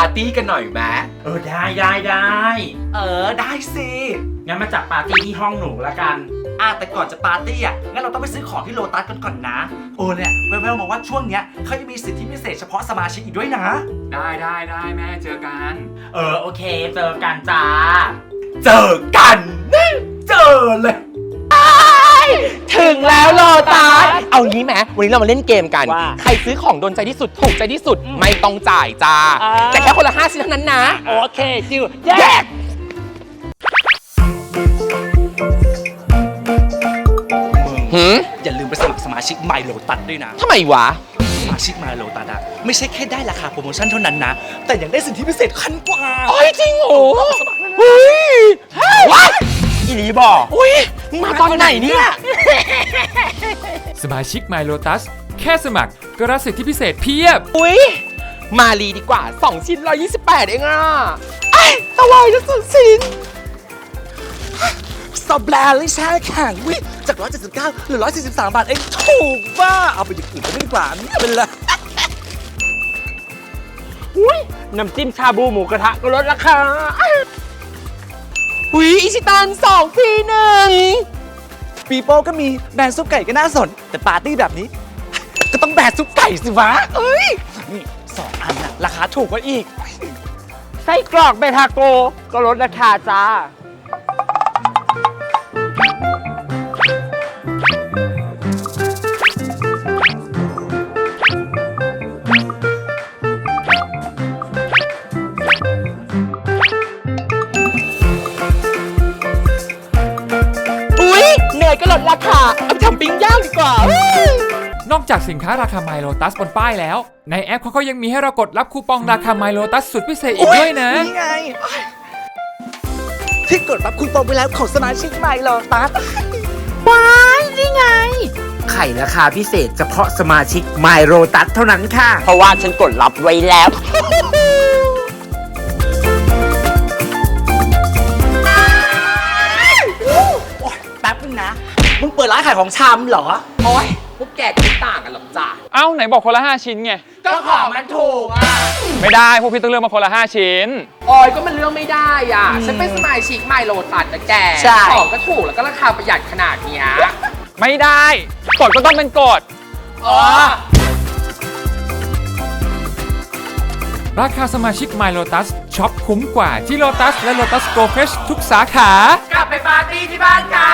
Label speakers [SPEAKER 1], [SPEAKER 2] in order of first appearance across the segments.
[SPEAKER 1] ร์ตี้กันหน่อยไหม
[SPEAKER 2] ได้
[SPEAKER 1] ได้สิ
[SPEAKER 2] งั้นมาจัดปาร์ตี้ที่ห้องหนูละกัน
[SPEAKER 1] แต่ก่อนจะปาร์ตี้งั้นเราต้องไปซื้อของที่โลตัสกันก่อนนะเนี่ยแววๆมาว่าช่วงเนี้ยเขาจะมีสิทธิพิเศษเฉพาะสมาชิกอีกด้วยนะ
[SPEAKER 3] ได้แม่เจอกัน
[SPEAKER 2] โอเคเจอกันจ้า
[SPEAKER 1] เจอกันเจอเลย
[SPEAKER 4] ถึงแล้วโลตัสเอางี้ไหมวันนี้เรามาเล่นเกมกัน
[SPEAKER 2] ว่า
[SPEAKER 4] ใครซื้อของโดนใจที่สุดถูกใจที่สุดไม่ต้องจ่ายจ้า แต่แค่คนละ5 ชิ้นเท่านั้นนะ
[SPEAKER 2] โอเคจิว
[SPEAKER 4] แยก
[SPEAKER 1] อย่าลืมไปสมัครสมาชิก My Lotus ด้วยนะ
[SPEAKER 4] ทำไมวะ
[SPEAKER 1] สมาชิก My Lotus ไม่ใช่แค่ได้ราคาโปรโมชั่นเท่านั้นนะ แต่ยังได้สิทธิพิเศษขั้นกว่า
[SPEAKER 4] โอ้ยจริงโหเฮ้ยว้าย
[SPEAKER 2] อีหลีบอก
[SPEAKER 4] อุ้ยมึงมาตอนไหนเนี่ย
[SPEAKER 3] สมาชิก My Lotus แค่สมัครก็รับสิทธิพิเศษเพียบ
[SPEAKER 4] อุ้ยมาลีดีกว่า 2 ชิ้น 128 เองอ่ะไอ้สวายจะสุดชิ้น
[SPEAKER 1] สแบรนด์เลยแช่แข็งวิจาก179เหลือ143 บาทเองถูกว่าเอาไปอย่างอื่นไม่ดีกว่าเนี่ยเป็นไร
[SPEAKER 2] อุ้ยน้ำจิ้มชาบูหมูกระทะก็ลดราคา
[SPEAKER 4] อุ้ยอิชิตัน2 ฟรี 1
[SPEAKER 1] ปีโป้ก็มีแบรนด์ซุปไก่ก็น่าสน แต่ปาร์ตี้แบบนี้ ก็ต้องแบรนด์ซุปไก่สิวะนี่2 อันน่ะราคาถูกกว่าอีก
[SPEAKER 2] ไส้กรอกเบทาโกก็ลดราคาจ้า
[SPEAKER 4] อุ้ยเนยก็ลดราคา เอาไปทำปิ้งย่างดีกว่า
[SPEAKER 3] นอกจากสินค้าราคา My Lotus บนป้ายแล้ว ในแอปเขาก็ยังมีให้เรากดรับคูปองราคา My Lotus สุดพิเศษอีกด้วยนะ
[SPEAKER 1] นี่ไง ที่กดรับคูปองไปแล้วของสมาชิก My Lotus
[SPEAKER 2] ว้ายนี่ไง ไข่ราคาพิเศษเฉพาะสมาชิก My Lotus เท่านั้นค่ะ เพราะว่าฉันกดรับไว้แล้ว
[SPEAKER 1] แป๊บนึงนะ มึงเปิดร้านขายของชำเหรอ
[SPEAKER 4] โอ้ยพวกแกก็ไม่ต่างกันหรอกจ้า
[SPEAKER 3] เอ้าไหนบอกคนละ 5 ชิ้นไง
[SPEAKER 4] ก็ของมันถูกอ่ะ
[SPEAKER 3] ไม่ได้พวกพี่ต้องเลือกมาคนละ 5 ชิ้น
[SPEAKER 4] ออยก็มันเลือกไม่ได้อ่ะ ฉันเป็นสมาชิกไมโลตัสนะแก
[SPEAKER 2] ใช่
[SPEAKER 4] ของก็ถูกแล้วก็ราคาประหยัดขนาดเนี้ย
[SPEAKER 3] ไม่ได้กฎก็ต้องเป็นกฎ
[SPEAKER 4] อ๋อ
[SPEAKER 3] ราคาสมาชิก My Lotus ช็อปคุ้มกว่าที่ Lotus และ Lotus Go Fresh ทุกสาขา
[SPEAKER 4] กลับไปปาร์ตี้ที่บ้านกัน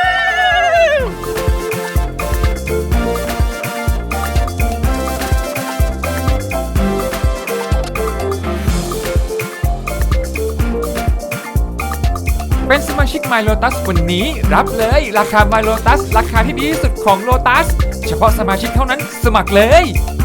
[SPEAKER 3] เป็นสมาชิก My Lotus วันนี้รับเลยราคา My Lotus ราคาที่ดีที่สุดของ Lotus เฉพาะสมาชิกเท่านั้นสมัครเลย